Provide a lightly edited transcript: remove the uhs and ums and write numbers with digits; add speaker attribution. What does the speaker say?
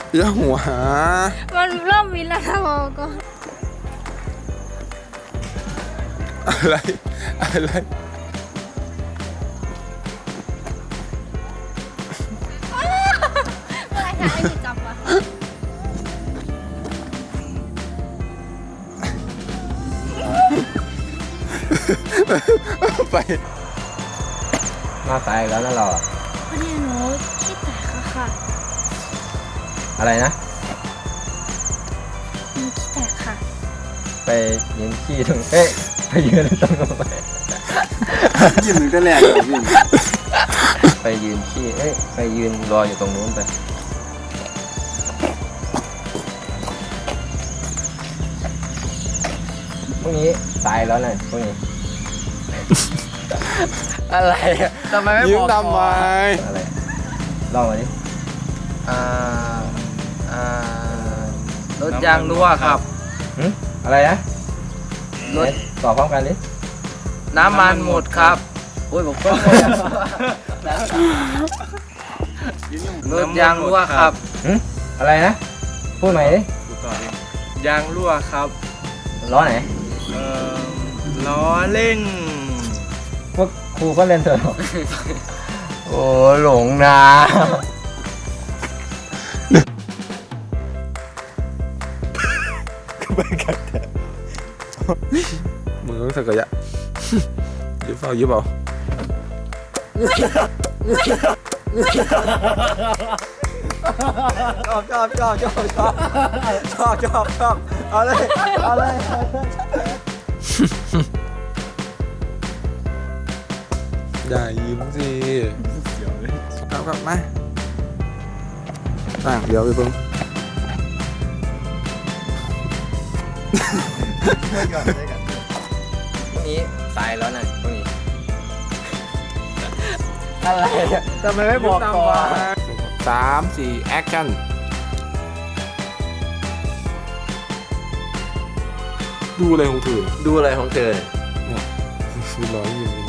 Speaker 1: อย่าหัว
Speaker 2: มันเริ่มวินแล้วนะบอกก็
Speaker 1: อะไรอะไร
Speaker 2: อะไรคะไอ้ที่จับวะ
Speaker 1: ไป
Speaker 3: มาสายแล้วนั่นเราอะ
Speaker 2: วันนี้หนูขี้แตกอะค่ะ
Speaker 3: อะไรนะ
Speaker 2: หนูขี้แตกค่ะ
Speaker 3: ไปยืนขี้ตรงเอ๊ะไปยืนตรงนู้นไป
Speaker 4: ยิ้มถึงแต่แรกเลยยิ้ม
Speaker 3: ไปยืนขี้เอ๊ะไปยืนรออยู่ตรงนู้นไปพรุ่งนี้สายแล้วนะพรุ่งนี้ อะไรอะทำไมไม่
Speaker 1: ยิ้
Speaker 3: บ
Speaker 1: ม
Speaker 3: อก
Speaker 1: ทำไม
Speaker 3: อะไรลองมาดิอ่าอ่าร
Speaker 5: ถยางรั่วครับ
Speaker 3: หึอะไรนะ
Speaker 5: รถ
Speaker 3: ไหนตอบพร้อมกันดิ
Speaker 5: น้ำมันหมดครับโอ้ยบอกว่ารถยางรั่วครับ
Speaker 3: หึอะไรนะพูดใหม่ดิ
Speaker 5: ยางรั่วครับ
Speaker 3: ล้อไหน
Speaker 5: ล้อเล่ง
Speaker 3: พวกครูก็เล่นเถอะ โอ้หลงนะ
Speaker 1: มึงต้องสักกะยะยิ้มเปล่ายิ้มเปล่า
Speaker 3: เอาเลยเอาเลย
Speaker 1: อย่ายิ้มสิเอากลับมาเดี๋ยวไปเพิ่ง
Speaker 3: พรุ่งนี้สายแล้วนะพรุ่งนี้อะไรอะทำไมไม่บอกก่อน
Speaker 1: 3 4แอคชั่นดูอะไรของเธอ
Speaker 3: ดูอะไรของเธอ
Speaker 1: มีร้อยยิ้ม